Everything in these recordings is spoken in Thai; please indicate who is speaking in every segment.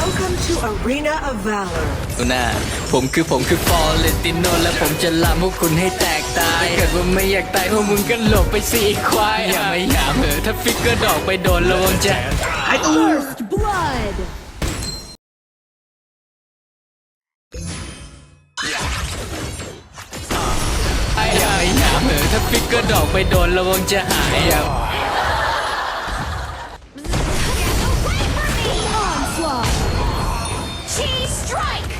Speaker 1: Welcome to Arena of Valor.
Speaker 2: น่าผมคือฟอเรติโนและผมจะลามพวกคุณให้แตกตายถ้าเกิดว่าไม่อยากตายพวกมึงก็หลบไปสิไอ้ควายอย่าไม่หยามถ้าฟิกเกอร์ดอกไปโดนระวังจะ
Speaker 3: First blood.
Speaker 2: อย่าไม่หยามถ้าฟิกเกอร์ดอกไปโดนระวังจะหายอ่ะ
Speaker 3: Onslaught.
Speaker 4: Cheese strike!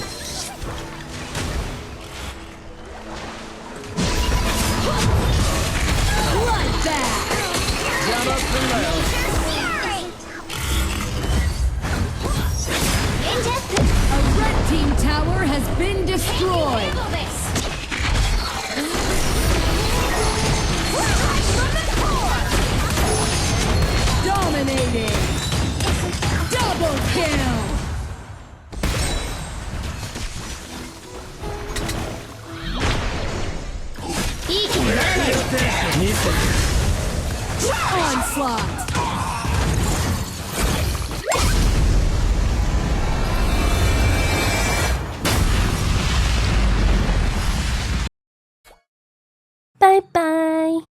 Speaker 3: Bloodbath. A red team tower has been destroyed.
Speaker 4: Handle this!
Speaker 3: Dominating. Double kill.
Speaker 4: He can learn it!
Speaker 3: Onslaught.